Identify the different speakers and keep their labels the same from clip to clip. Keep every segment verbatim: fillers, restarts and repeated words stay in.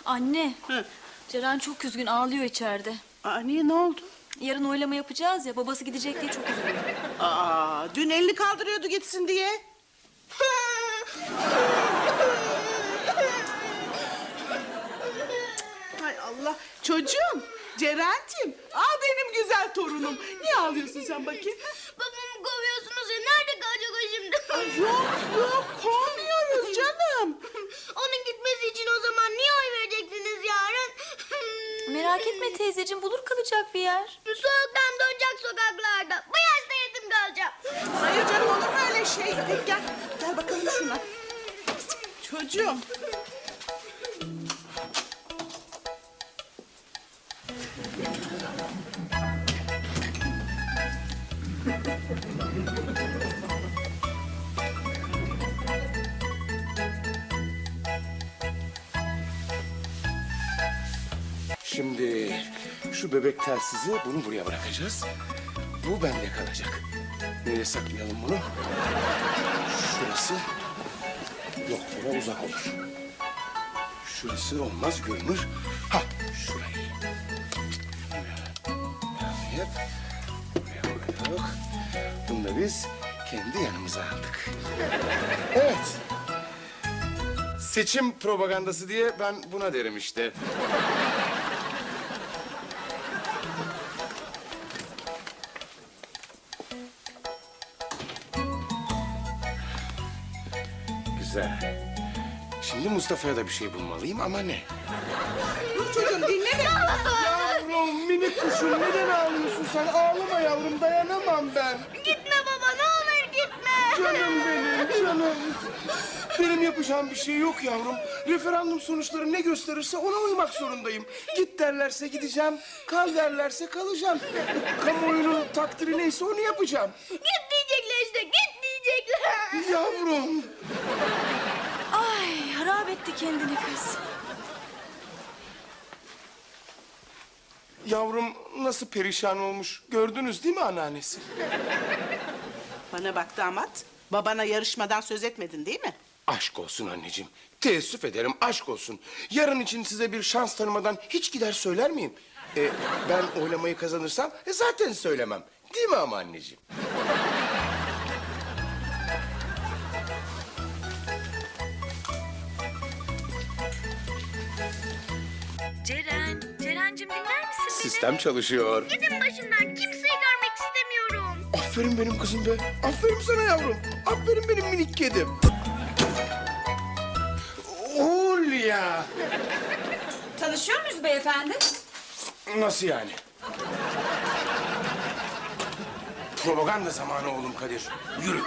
Speaker 1: Anne,
Speaker 2: Hı.
Speaker 1: Ceren çok üzgün, ağlıyor içeride.
Speaker 2: Aa, niye, ne oldu?
Speaker 1: Yarın oylama yapacağız ya, babası gidecek diye çok üzülüyor.
Speaker 2: Aa, dün elini kaldırıyordu gitsin diye. Hay Allah. Çocuğum, Ceren'cim. Al benim güzel torunum. Niye ağlıyorsun sen bakayım?
Speaker 3: Babamı kovuyorsunuz ya. Nerede kalacak o şimdi?
Speaker 2: Ay, yok yok, kovmuyoruz canım.
Speaker 3: Onun gitmesi için o zaman niye oy vereceksiniz yarın?
Speaker 1: Merak etme teyzeciğim, bulur kalacak bir yer.
Speaker 3: Soğuktan donacak sokaklarda. Bu yaşta yetim kalacağım.
Speaker 2: Hayır canım, olur mu öyle şey? Gel, gel, gel bakalım şuna. Çocuğum.
Speaker 4: Şimdi şu bebek telsizi, bunu buraya bırakacağız. Bu bende kalacak. Nereye saklayalım bunu? Şurası. Yok, bura uzak olur. Şurası olmaz, görünür. Ha, şurayı. Evet. Buraya koyduk. Bunu da biz kendi yanımıza aldık. Evet. Seçim propagandası diye ben buna derim işte. Güzel. Şimdi Mustafa'ya da bir şey bulmalıyım ama ne?
Speaker 2: Dur çocuğum, dinle beni.
Speaker 4: Yavrum, minik kuşum, neden ağlıyorsun sen? Ağlama yavrum, dayanamam ben.
Speaker 3: Gitme baba, ne olur gitme.
Speaker 4: Canım benim, canım. Benim yapacağım bir şey yok yavrum. Referandum sonuçları ne gösterirse ona uymak zorundayım. Git derlerse gideceğim, kal derlerse kalacağım. Kamuoyunun takdiri neyse onu yapacağım.
Speaker 3: Git diyecekler işte, git diyecekler.
Speaker 4: Yavrum.
Speaker 1: Ay, harap etti kendini kız.
Speaker 4: Yavrum nasıl perişan olmuş, gördünüz değil mi anneannesi?
Speaker 2: Bana bak damat. Babana yarışmadan söz etmedin değil mi?
Speaker 4: Aşk olsun anneciğim. Teessüf ederim, aşk olsun. Yarın için size bir şans tanımadan hiç gider söyler miyim? E, ben oylamayı kazanırsam e, zaten söylemem. Değil mi ama anneciğim?
Speaker 1: Ceren, Ceren'cim dinler misin beni?
Speaker 4: Sistem çalışıyor.
Speaker 3: Gidin başımdan, kimseyi görmek istemiyorum.
Speaker 4: Aferin benim kızım be. Aferin sana yavrum. Aferin benim minik kedim. Hulya.
Speaker 5: Tanışıyor muyuz beyefendi?
Speaker 4: Nasıl yani? Propaganda zamanı oğlum Kadir. Yürü.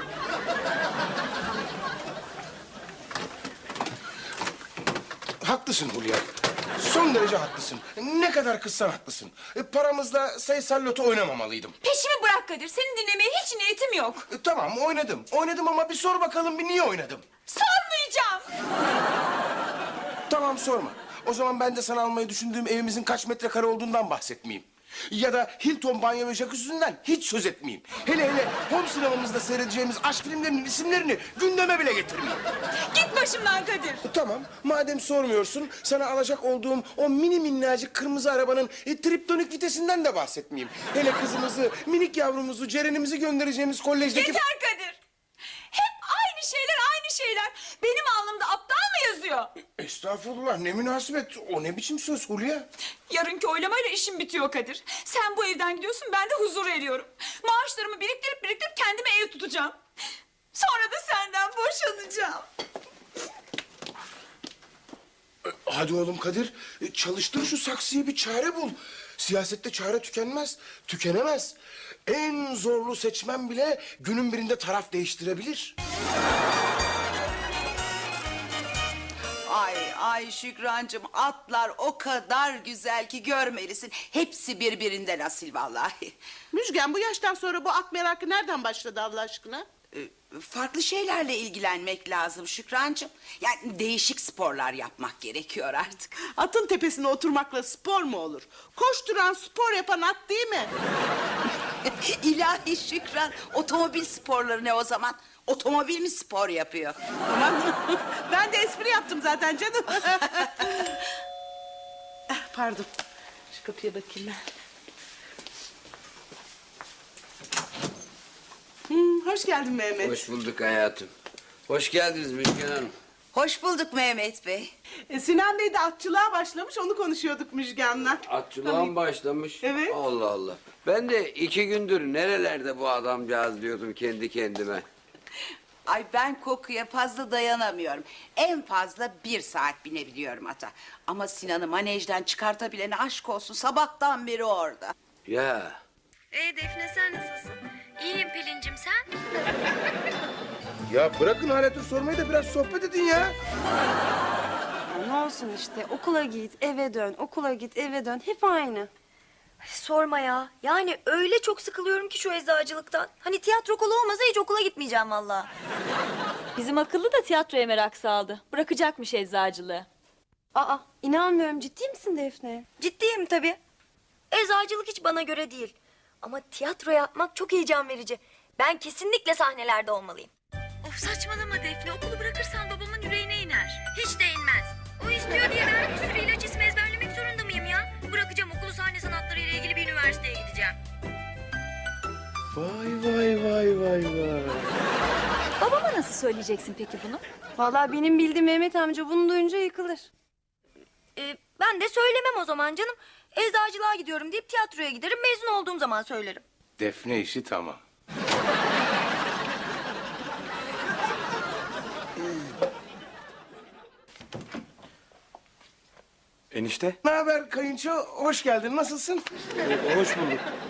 Speaker 4: Haklısın Hulya. Son derece haklısın. Ne kadar kızsan haklısın. E, paramızla sayısal loto oynamamalıydım.
Speaker 5: Peşimi bırak Kadir. Seni dinlemeye hiç niyetim yok.
Speaker 4: E, tamam oynadım. Oynadım ama bir sor bakalım bir niye oynadım.
Speaker 5: Sormayacağım.
Speaker 4: Tamam sorma. O zaman ben de sana almayı düşündüğüm evimizin kaç metrekare olduğundan bahsetmeyeyim. Ya da Hilton banyo ve jacuzzi'nden hiç söz etmeyeyim. Hele hele home sinemamızda seyredeceğimiz aşk filmlerinin isimlerini gündeme bile getirmeyeyim.
Speaker 5: Git başımdan Kadir.
Speaker 4: E, tamam, madem sormuyorsun, sana alacak olduğum o mini minnacık kırmızı arabanın e, triptonik vitesinden de bahsetmeyeyim. Hele kızımızı, minik yavrumuzu, Ceren'imizi göndereceğimiz kolejdeki...
Speaker 5: Yeter Kadir. Hep aynı şeyler, aynı şeyler. Benim alnımda aptal mı yazıyor?
Speaker 4: Estağfurullah, ne münasebet. O ne biçim söz Hulya?
Speaker 5: Yarınki oylamayla işim bitiyor Kadir. Sen bu evden gidiyorsun, ben de huzur eriyorum. Maaşlarımı biriktirip biriktirip kendime ev tutacağım. Sonra da senden boşanacağım.
Speaker 4: E, Hadi oğlum Kadir, e, çalıştır şu saksıyı, bir çare bul. Siyasette çare tükenmez, tükenemez. En zorlu seçmen bile günün birinde taraf değiştirebilir.
Speaker 6: Ay ay Şükrancığım, atlar o kadar güzel ki görmelisin. Hepsi birbirinden asil vallahi.
Speaker 2: Müjgan, bu yaştan sonra bu at merakı nereden başladı Allah aşkına?
Speaker 6: Ee, Farklı şeylerle ilgilenmek lazım Şükrancığım. Yani değişik sporlar yapmak gerekiyor artık.
Speaker 2: Atın tepesine oturmakla spor mu olur? Koşturan, spor yapan at değil mi?
Speaker 6: İlahi Şükran, otomobil sporları ne o zaman? Otomobil mi spor yapıyor?
Speaker 2: Aman, ben de espri yaptım zaten canım. pardon. Şu kapıya bakayım ben. Hmm, hoş geldin Mehmet.
Speaker 7: Hoş bulduk hayatım. Hoş geldiniz Müjgan Hanım.
Speaker 6: Hoş bulduk Mehmet Bey.
Speaker 2: E, Sinan Bey de atçılığa başlamış, onu konuşuyorduk Müjgan'la.
Speaker 7: Atçılığa mı başlamış?
Speaker 2: Evet.
Speaker 7: Allah Allah. Ben de iki gündür nerelerde bu adamcağız diyordum kendi kendime.
Speaker 6: Ay ben kokuya fazla dayanamıyorum. En fazla bir saat binebiliyorum ata. Ama Sinan'ı manejden çıkartabilene aşk olsun, sabahtan beri orada.
Speaker 7: Ya
Speaker 1: E Defne sen nasılsın? İyiyim Pelin'cim sen?
Speaker 4: Ya bırakın halatır sormayı da biraz sohbet edin ya.
Speaker 8: Ya ne olsun işte okula git eve dön okula git eve dön hep aynı.
Speaker 9: Sorma ya. Yani öyle çok sıkılıyorum ki şu eczacılıktan. Hani tiyatro okulu olmasa hiç okula gitmeyeceğim vallahi.
Speaker 5: Bizim akıllı da tiyatroya merak saldı. Bırakacakmış eczacılığı.
Speaker 8: Aa inanmıyorum ciddi misin Defne?
Speaker 9: Ciddiyim tabii. Eczacılık hiç bana göre değil. Ama tiyatro yapmak çok heyecan verici. Ben kesinlikle sahnelerde olmalıyım. Of saçmalama Defne. Okulu bırakırsan babamın yüreğine iner. Hiç de inmez. O istiyor diye ben bir sürü ilaç ismi ezberlemek zorunda mıyım ya? Bırakacağım okulu, sahne sanatları ile ilgili bir üniversiteye gideceğim.
Speaker 4: Vay vay vay vay vay.
Speaker 5: Babama nasıl söyleyeceksin peki bunu?
Speaker 8: Vallahi benim bildiğim Mehmet amca bunu duyunca yıkılır.
Speaker 9: Ee, ben de söylemem o zaman canım. Eczacılığa gidiyorum deyip tiyatroya giderim. Mezun olduğum zaman söylerim.
Speaker 4: Defne işi tamam.
Speaker 10: Enişte.
Speaker 4: Ne haber kayınço? Hoş geldin. Nasılsın?
Speaker 10: Hoş bulduk.